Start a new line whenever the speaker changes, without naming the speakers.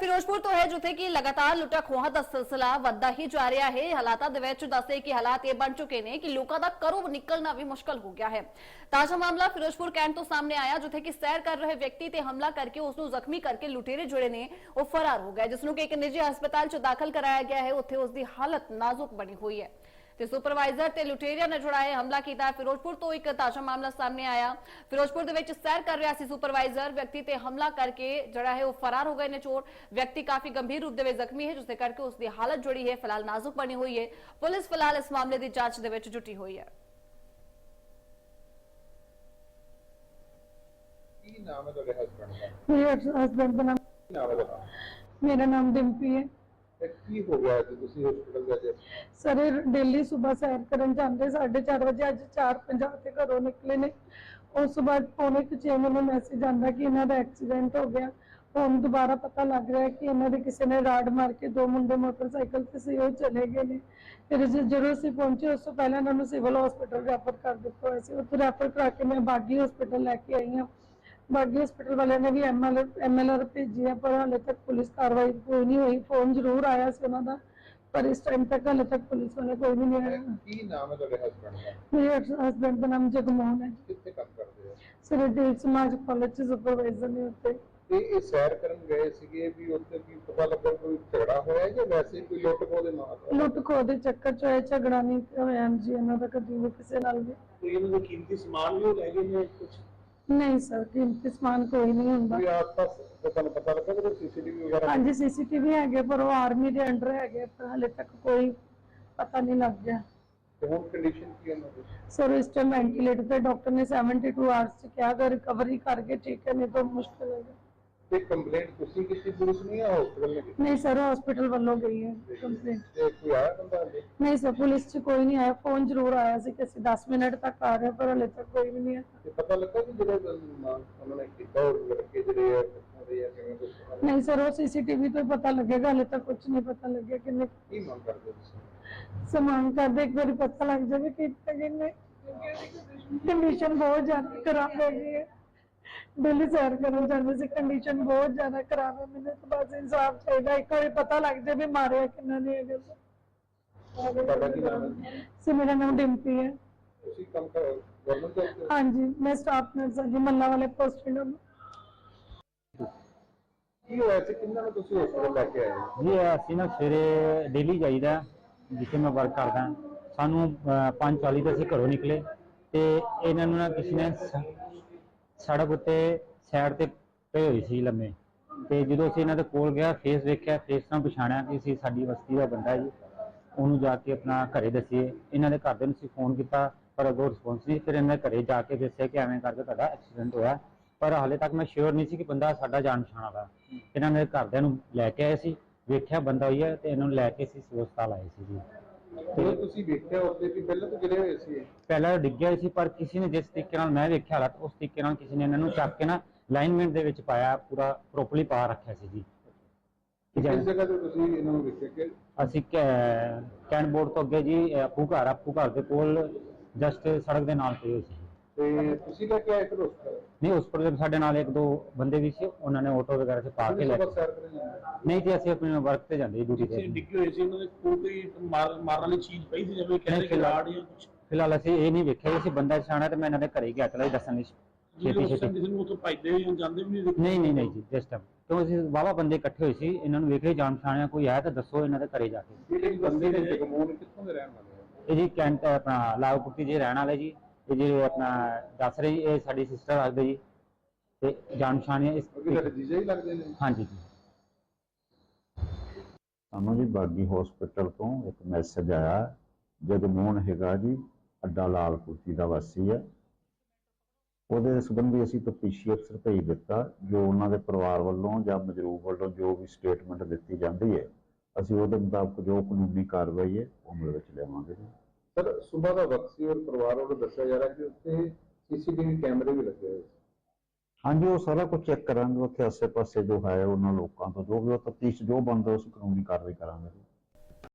ਫਿਰੋਜ਼ਪੁਰ ਤੋਂ ਹੈ ਜਿੱਥੇ ਕਿ ਲਗਾਤਾਰ ਲੁੱਟਾਂ ਖੋਹਾਂ ਦਾ ਸਿਲਸਿਲਾ ਵੱਧਦਾ ਹੀ ਜਾ ਰਿਹਾ ਹੈ। ਹਾਲਾਤਾਂ ਦੇ ਵਿੱਚ ਦੱਸੇ ਕਿ ਹਾਲਾਤ ਇਹ ਬਣ ਚੁੱਕੇ ਨੇ ਕਿ ਲੋਕਾਂ ਦਾ ਘਰੋਂ ਨਿਕਲਣਾ ਵੀ ਮੁਸ਼ਕਲ ਹੋ ਗਿਆ ਹੈ। ਤਾਜ਼ਾ ਮਾਮਲਾ ਫਿਰੋਜ਼ਪੁਰ ਕੈਂਟ ਤੋਂ ਸਾਹਮਣੇ ਆਇਆ ਜਿੱਥੇ ਕਿ ਸੈਰ ਕਰ ਰਹੇ ਵਿਅਕਤੀ ਤੇ ਹਮਲਾ ਕਰਕੇ ਉਸ ਨੂੰ ਜ਼ਖਮੀ ਕਰਕੇ ਲੁਟੇਰੇ ਜਿਹੜੇ ਨੇ ਉਹ ਫਰਾਰ ਹੋ ਗਏ, ਜਿਸ ਨੂੰ ਕਿ ਇੱਕ ਨਿੱਜੀ ਹਸਪਤਾਲ 'ਚ ਦਾਖਲ ਕਰਾਇਆ ਗਿਆ ਹੈ। ਉੱਥੇ ਉਸ ਦੀ ਹਾਲਤ ਨਾਜ਼ੁਕ ਬਣੀ ਹੋਈ ਹੈ ਤੇ ਸੁਪਰਵਾਈਜ਼ਰ ਤੇ ਲੁਟੇਰਿਆਂ ਨੇ ਜੁੜਾਏ ਹਮਲਾ ਕੀਤਾ। ਫਿਰੋਜ਼ਪੁਰ ਤੋਂ ਇੱਕ ਤਾਜ਼ਾ ਮਾਮਲਾ ਸਾਹਮਣੇ ਆਇਆ। ਫਿਰੋਜ਼ਪੁਰ ਦੇ ਵਿੱਚ ਸੈਰ ਕਰ ਰਿਹਾ ਸੀ ਸੁਪਰਵਾਈਜ਼ਰ, ਵਿਅਕਤੀ ਤੇ ਹਮਲਾ ਕਰਕੇ ਜਿਹੜਾ ਹੈ ਉਹ ਫਰਾਰ ਹੋ ਗਏ ਨੇ ਚੋਰ। ਵਿਅਕਤੀ ਕਾਫੀ ਗੰਭੀਰ ਰੂਪ ਦੇ ਵਿੱਚ ਜ਼ਖਮੀ ਹੈ, ਜਿਸ ਦੇ ਕਰਕੇ ਉਸ ਦੀ ਹਾਲਤ ਜਿਹੜੀ ਹੈ ਫਿਲਹਾਲ ਨਾਜ਼ੁਕ ਬਣੀ ਹੋਈ ਹੈ। ਪੁਲਿਸ ਫਿਲਹਾਲ ਇਸ ਮਾਮਲੇ ਦੀ ਜਾਂਚ ਦੇ ਵਿੱਚ ਜੁਟੀ ਹੋਈ ਹੈ।
ਕੀ ਨਾਮ ਹੈ ਤੁਹਾਡੇ ਹਸਬੰਡ ਦਾ?
ਮੇਰੇ ਹਸਬੰਡ ਦਾ ਨਾਮ
ਕੀ ਨਾਮ ਹੈ ਤੁਹਾਡਾ?
ਮੇਰਾ ਨਾਮ ਡਿੰਪੀ ਹੈ।
ਕੀ ਹੋ ਗਿਆ ਕਿ ਤੁਸੀਂ ਹਸਪੀਟਲ ਗਏ?
ਸਰ ਡੇਲੀ ਸਵੇਰ ਸੈਰ ਕਰਨ ਜਾਂਦੇ 4:30 ਵਜੇ, ਅੱਜ 4:50 ਤੇ ਘਰੋਂ ਨਿਕਲੇ ਨੇ। ਉਸ ਤੋਂ ਬਾਅਦ ਪੌਣੇ 6 ਮੈਨੂੰ ਮੈਸੇਜ ਆਂਦਾ ਕਿ ਇਹਨਾਂ ਦਾ ਐਕਸੀਡੈਂਟ ਹੋ ਗਿਆ। ਹੁਣ ਦੁਬਾਰਾ ਪਤਾ ਲੱਗ ਰਿਹਾ ਕਿ ਇਹਨਾਂ ਦੇ ਕਿਸੇ ਨੇ ਰਾੜ ਮਾਰ ਕੇ 2 ਮੁੰਡੇ ਮੋਟਰਸਾਈਕਲ ਤੇ ਸੀ, ਉਹ ਚਲੇ ਗਏ ਨੇ। ਫਿਰ ਜਦੋਂ ਅਸੀਂ ਪਹੁੰਚੇ ਉਸ ਤੋਂ ਪਹਿਲਾਂ ਇਹਨਾਂ ਨੂੰ ਸਿਵਲ ਹਸਪੀਟਲ ਰੈਫਰ ਕਰ ਦਿੱਤਾ ਹੋਇਆ ਸੀ। ਉੱਥੇ ਰੈਫਰ ਕਰਾ ਕੇ ਮੈਂ ਬਾਗੀ ਹਸਪੀਟਲ ਲੈ ਕੇ ਆਈ ਹਾਂ। ਬਾਗੀ ਹਸਪੀਟਲ ਵਾਲਿਆਂ ਨੇ ਵੀ MLR ਭੇਜੀ ਹੈ, ਪਰ ਹਾਲੇ ਤੱਕ ਪੁਲਿਸ ਕਾਰਵਾਈ ਕੋਈ ਨਹੀਂ ਹੋਈ। ਫੋਨ ਜ਼ਰੂਰ ਆਇਆ ਸੀ ਉਹਨਾਂ ਦਾ, ਪਰ ਇਸ ਟਾਈਮ ਤੱਕ ਹਾਲੇ ਤੱਕ ਪੁਲਿਸ ਵਾਲੇ ਕੋਈ ਨਹੀਂ ਆਇਆ।
ਕੀ ਨਾਮ ਹੈ ਤੁਹਾਡੇ ਹਸਬੰਡ ਦਾ?
ਮੇਰੇ ਹਸਬੰਡ ਦਾ ਨਾਮ ਜਗਮੋਹਨ ਹੈ।
ਕਿੱਥੇ ਕੰਮ ਕਰਦੇ ਹੋ?
ਸਰ ਡੇਲ ਸਮਾਜ ਕਾਲਜ ਚ ਸੁਪਰਵਾਈਜ਼ਰ ਨੇ ਉੱਤੇ।
ਤੇ ਇਹ ਸੈਰ ਕਰਨ ਗਏ ਸੀਗੇ ਵੀ ਉੱਥੇ ਕੀ ਪਤਾ ਲੱਗਾ ਕੋਈ ਝਗੜਾ ਹੋਇਆ ਜਾਂ ਵੈਸੇ ਕੋਈ ਲੁੱਟ ਖੋਹ ਦੇ ਨਾਲ?
ਲੁੱਟ ਖੋਹ ਦੇ ਚੱਕਰ ਚ ਹੋਇਆ, ਝਗੜਾ ਨਹੀਂ ਹੋਇਆ ਜੀ ਇਹਨਾਂ ਦਾ ਕਦੀ ਵੀ ਕਿਸੇ ਨਾਲ ਵੀ।
ਕੋਈ ਇਹਨਾਂ ਦੇ ਕੀਮਤੀ ਸਮਾਨ ਵੀ ਲੈ ਗਏ ਨੇ ਕੁਝ?
ਨਹੀਂ ਸਰ, ਕੀਮਤੀ ਸਮਾਨ ਕੋਈ ਨਹੀਂ ਹੁੰਦਾ।
ਕੋਈ ਆਸ-ਪਾਸ ਤੁਹਾਨੂੰ ਪਤਾ ਲੱਗਾ ਕਿ CCTV ਵਗੈਰਾ?
ਹਾਂਜੀ CCTV ਹੈਗੇ, ਪਰ ਉਹ ਆਰਮੀ ਦੇ ਅੰਡਰ ਹੈਗੇ, ਪਰ ਹਾਲੇ ਤੱਕ ਕੋਈ ਪਤਾ ਨਹੀਂ ਲੱਗ ਗਿਆ।
ਤੇ ਹੁਣ ਕੰਡੀਸ਼ਨ ਕੀ ਹੈ ਉਹਨਾਂ ਦੀ?
ਸਰ ਇਸ ਟਾਈਮ ਵੈਂਟੀਲੇਟਰ ਤੇ ਡਾਕਟਰ ਨੇ 72 ਆਵਰਸ ਚ ਕਿਹਾ ਅਗਰ ਰਿਕਵਰੀ ਕਰਕੇ ਠੀਕ ਹੈ, ਨਹੀਂ ਤਾਂ ਮੁਸ਼ਕਿਲ ਹੈ।
ਤੇ ਕੰਪਲੇਂਟ ਤੁਸੀਂ ਕੀਤੀ ਪੁਲਿਸ ਨੇ ਜਾਂ ਹਸਪੀਟਲ ਨੇ ਕੀਤੀ?
ਨਹੀਂ ਸਰ, ਹਸਪੀਟਲ ਵੱਲੋਂ ਗਈ ਹੈ ਕੰਪਲੇਂਟ।
ਤੇ ਕੋਈ ਆਇਆ ਬੰਦਾ ਹਲੇ?
ਨਹੀਂ ਸਰ, ਪੁਲਿਸ ਚ ਕੋਈ ਨਹੀਂ ਆਇਆ। ਫੋਨ ਜ਼ਰੂਰ ਆਇਆ ਸੀ ਕਿ ਅਸੀਂ 10 ਮਿੰਟ ਤੱਕ ਆ ਰਹੇ, ਪਰ ਹਾਲੇ ਤੱਕ ਕੋਈ ਵੀ ਨਹੀਂ ਆਇਆ।
ਤੇ ਪਤਾ ਲੱਗਾ ਕਿ ਜਿਹੜੇ ਉਹਨਾਂ ਨੇ ਕੀਤਾ ਉਹ ਲੜਕੇ ਜਿਹੜੇ ਆ ਕਿੱਥੋਂ ਦੇ ਆ ਕਿਵੇਂ ਕੁਝ?
ਨਹੀਂ ਸਰ, ਉਹ CCTV ਤੋਂ ਪਤਾ ਲੱਗੇਗਾ, ਹਾਲੇ ਤੱਕ ਕੁਝ ਨਹੀਂ ਪਤਾ ਲੱਗਿਆ ਕਿੰਨੇ
ਕੀ ਮੰਗ ਕਰਦੇ ਹੋ ਤੁਸੀਂ?
ਸਮਾਨ ਕਰਦੇ ਇੱਕ ਵਾਰੀ ਪਤਾ ਲੱਗ ਜਾਵੇ ਕਿ ਕਿੰਨੇ। ਕੰਡੀਸ਼ਨ ਬਹੁਤ ਜ਼ਿਆਦਾ ਖਰਾਬ ਹੋ ਗਈ ਹੈ। ਡੇਲੀ ਸੈਰ ਕਰਨ ਜਾਂਦੇ ਸੀ, ਕੰਡੀਸ਼ਨ ਬਹੁਤ ਜ਼ਿਆਦਾ ਖਰਾਬ ਹੈ। ਮੈਨੂੰ ਤਾਂ ਬਸ ਇਨਸਾਫ ਚਾਹੀਦਾ, ਇੱਕ ਵਾਰੀ ਪਤਾ ਲੱਗ ਜਾਵੇ ਮਾਰਿਆ ਕਿੰਨਾ ਨੇ ਹੈਗਾ।
ਤੁਹਾਡਾ ਕੀ ਨਾਮ ਹੈ?
ਸਰ ਮੇਰਾ ਨਾਮ ਡਿੰਪੀ ਹੈ।
ਤੁਸੀਂ ਕੰਮ ਕਰ ਗਵਰਨਮੈਂਟ ਜੌਬ ਤੇ?
ਹਾਂਜੀ, ਮੈਂ ਸਟਾਫ ਨਰਸ ਹਾਂ ਜੀ, ਮੱਲਾ ਵਾਲੇ ਪੋਸਟਿੰਗ।
ਕੀ ਹੋਇਆ ਸੀ, ਕਿੰਨਾਂ ਨੂੰ ਤੁਸੀਂ ਹਸਪੀਟਲ ਲੈ ਕੇ ਆਏ ਹੋ?
ਜੀ ਅਸੀਂ ਨਾ ਸਵੇਰੇ ਡੇਲੀ ਜਾਈਦਾ, ਜਿੱਥੇ ਮੈਂ ਵਰਕ ਕਰਦਾ। ਸਾਨੂੰ 5:40 ਤੇ ਅਸੀਂ ਘਰੋਂ ਨਿਕਲੇ ਤੇ ਇਹਨਾਂ ਨੂੰ ਨਾ ਕਿਸੇ ਨੇ ਸੜਕ ਉੱਤੇ ਸਾਈਡ ਤੇ ਪਏ ਹੋਏ ਸੀ ਲੰਮੇ। ਤੇ ਜਦੋਂ ਅਸੀਂ ਇਹਨਾਂ ਦੇ ਕੋਲ ਗਿਆ, ਫੇਸ ਵੇਖਿਆ, ਫੇਸ ਨਾਲ ਪਛਾਣਿਆ ਕਿ ਅਸੀਂ ਸਾਡੀ ਬਸਤੀ ਦਾ ਬੰਦਾ ਜੀ। ਉਹਨੂੰ ਜਾ ਕੇ ਆਪਣਾ ਘਰੇ ਦੱਸੀਏ। ਇਹਨਾਂ ਦੇ ਘਰਦਿਆਂ ਨੂੰ ਅਸੀਂ ਫੋਨ ਕੀਤਾ ਪਰ ਅੱਗੋਂ ਰਿਸਪੌਂਸ ਨਹੀਂ। ਫਿਰ ਇਹਨਾਂ ਦੇ ਘਰੇ ਜਾ ਕੇ ਦੱਸਿਆ ਕਿ ਐਵੇਂ ਕਰਕੇ ਤੁਹਾਡਾ ਐਕਸੀਡੈਂਟ ਹੋਇਆ, ਪਰ ਹਾਲੇ ਤੱਕ ਮੈਂ ਸ਼ੋਰ ਨਹੀਂ ਸੀ ਕਿ ਬੰਦਾ ਸਾਡਾ ਜਾਣ ਪਛਾਣ ਵਾਲਾ। ਇਹਨਾਂ ਦੇ ਘਰਦਿਆਂ ਨੂੰ ਲੈ ਕੇ ਆਏ ਸੀ, ਵੇਖਿਆ ਬੰਦਾ ਹੋਈ ਹੈ ਤੇ ਇਹਨਾਂ ਨੂੰ ਲੈ ਕੇ ਅਸੀਂ ਸਿਵਲ ਹਸਪਤਾਲ ਆਏ ਸੀ ਜੀ।
ਤੇ ਤੁਸੀਂ ਵੇਖਿਆ ਉੱਤੇ ਕਿ ਪਹਿਲਾਂ ਤਾਂ ਗਿਰੇ ਹੋਏ ਸੀ?
ਪਹਿਲਾਂ ਡਿੱਗਿਆ ਸੀ, ਪਰ ਕਿਸੇ ਨੇ ਜਿਸ ਤਰੀਕੇ ਨਾਲ ਮੈਂ ਵੇਖਿਆ ਹਾਲਾਤ, ਉਸ ਤਰੀਕੇ ਨਾਲ ਕਿਸੇ ਨੇ ਇਹਨਾਂ ਨੂੰ ਚੱਕ ਕੇ ਨਾ ਲਾਈਨਮੈਂਟ ਦੇ ਵਿੱਚ ਪਾਇਆ, ਪੂਰਾ ਪ੍ਰੋਪਰਲੀ ਪਾ ਰੱਖਿਆ ਸੀ ਜੀ।
ਕਿਸ ਜਗ੍ਹਾ ਤੇ ਤੁਸੀਂ ਇਹਨਾਂ ਨੂੰ ਵੇਖਿਆ ਕਿ?
ਅਸੀਂ ਕੈਂਟ ਬੋਰਡ ਤੋਂ ਅੱਗੇ ਜੀ, ਆਪੂ ਘਰ ਦੇ ਕੋਲ ਜਸਟ ਸੜਕ ਦੇ ਨਾਲ ਪਈ ਹੋਈ ਸੀ।
ਤੇ ਤੁਸੀਂ ਲੈ ਕੇ ਆਏ ਫਿਰ ਹਸਪਤਾਲ?
ਨਹੀਂ, ਉਸ ਪਰ ਸਾਡੇ ਨਾਲ 1-2 ਬੰਦੇ ਵੀ ਸੀ, ਉਹਨਾਂ ਨੇ ਆਟੋ ਵਗੈਰਾ 'ਚ ਪਾ ਕੇ ਲੈ ਕੇ।
ਸੈਰ ਕਰਨ ਜਾਂਦੇ?
ਨਹੀਂ ਜੀ, ਅਸੀਂ ਆਪਣੇ ਵਰਕ ਤੇ ਜਾਂਦੇ ਡਿਊਟੀ ਤੇ।
ਡਿੱਗੇ ਹੋਏ ਸੀ, ਉਹਨਾਂ ਦੇ ਕੋਲ ਕੋਈ ਮਾਰਨ ਵਾਲੀ ਚੀਜ਼ ਪਈ ਸੀ, ਜਿਵੇਂ ਕਹਿੰਦੇ ਖਿਲਾੜ ਜਾਂ ਕੁਝ?
ਫਿਲਹਾਲ ਅਸੀਂ ਇਹ ਨਹੀਂ ਵੇਖਿਆ, ਅਸੀਂ ਬੰਦਾ ਛਾਣਾ ਤੇ ਮੈਂ ਇਹਨਾਂ ਦੇ ਘਰੇ ਗਿਆ ਚਲਾ ਦੱਸਣ ਲਈ ਛੇਤੀ।
ਕਿਸੇ ਨੂੰ ਉੱਥੋਂ ਭੱਜਦੇ ਜਾਂ ਜਾਂਦੇ ਵੀ
ਨਹੀਂ ਜੀ, ਜਿਸ ਟਾਈਮ ਕਿਉਂ ਅਸੀਂ ਵਾਹਵਾ ਬੰਦੇ ਇਕੱਠੇ ਹੋਏ ਸੀ, ਇਹਨਾਂ ਨੂੰ ਵੇਖ ਕੇ ਜਾਣ ਪਛਾਣਿਆ ਕੋਈ ਆਇਆ ਤਾਂ ਦੱਸੋ ਇਹਨਾਂ ਦੇ ਘਰੇ ਜਾ ਕੇ।
ਜਿਹੜੇ ਬੰਦੇ ਨੇ ਜਗਮੋਹਨ ਕਿੱਥੋਂ ਦੇ ਰਹਿਣ ਵਾਲੇ ਆ?
ਇਹ ਜੀ ਕੈਂਟ ਆਪਣਾ ਲਾਗਪੁਰਤੀ ਜੀ ਰਹਿਣ ਵਾਲੇ ਜੀ। ਇਹ ਜਿਹੜੇ ਆਪਣਾ ਦੱਸ ਰਹੇ ਜੀ, ਇਹ ਸਾਡੀ ਸਿਸਟਰ ਲੱਗਦੇ ਜੀ ਤੇ ਜਾਣ ਪਛਾਣਿਆ ਇਸ।
ਤੁਹਾਡੇ ਜੀਜਾ ਹੀ ਲੱਗਦੇ ਨੇ?
ਹਾਂਜੀ ਜੀ।
ਸਾਨੂੰ ਜੀ ਬਾਗੀ ਹਸਪੀਟਲ ਤੋਂ ਇੱਕ ਮੈਸੇਜ ਆਇਆ, ਜਗਮੋਹਨ ਹੈਗਾ ਜੀ, ਅੱਡਾ ਲਾਲਪੁਰਤੀ ਦਾ ਵਾਸੀ ਹੈ। ਉਹਦੇ ਸੰਬੰਧੀ ਅਸੀਂ ਤਫਤੀਸ਼ੀ ਅਫਸਰ ਭੇਜ ਦਿੱਤਾ। ਜੋ ਉਹਨਾਂ ਦੇ ਪਰਿਵਾਰ ਵੱਲੋਂ ਜਾਂ ਮਜਰੂਬ ਵੱਲੋਂ ਜੋ ਵੀ ਸਟੇਟਮੈਂਟ ਦਿੱਤੀ ਜਾਂਦੀ ਹੈ, ਅਸੀਂ ਉਹਦੇ ਮੁਤਾਬਕ ਜੋ ਕਾਨੂੰਨੀ ਕਾਰਵਾਈ ਹੈ ਉਹ ਅਮਲ ਵਿੱਚ ਲਿਆਵਾਂਗੇ ਜੀ।
ਸਰ ਸੁਬਾਹ ਦਾ ਵਕਤ ਸੀ ਔਰ ਪਰਿਵਾਰ ਵੱਲੋਂ ਦੱਸਿਆ ਜਾ ਰਿਹਾ ਕਿ ਉੱਥੇ CCTV ਕੈਮਰੇ ਵੀ ਲੱਗੇ ਹੋਏ ਸੀ।
ਹਾਂਜੀ, ਉਹ ਸਾਰਾ ਕੁਝ ਚੈੱਕ ਕਰਾਂਗੇ। ਉੱਥੇ ਆਸੇ ਪਾਸੇ ਜੋ ਹੈ ਉਹਨਾਂ ਲੋਕਾਂ ਤੋਂ ਜੋ ਵੀ ਉਹ ਤਫਤੀਸ਼ ਜੋ ਬਣਦਾ ਉਸ ਕਾਨੂੰਨੀ ਕਾਰਵਾਈ ਕਰਾਂਗੇ।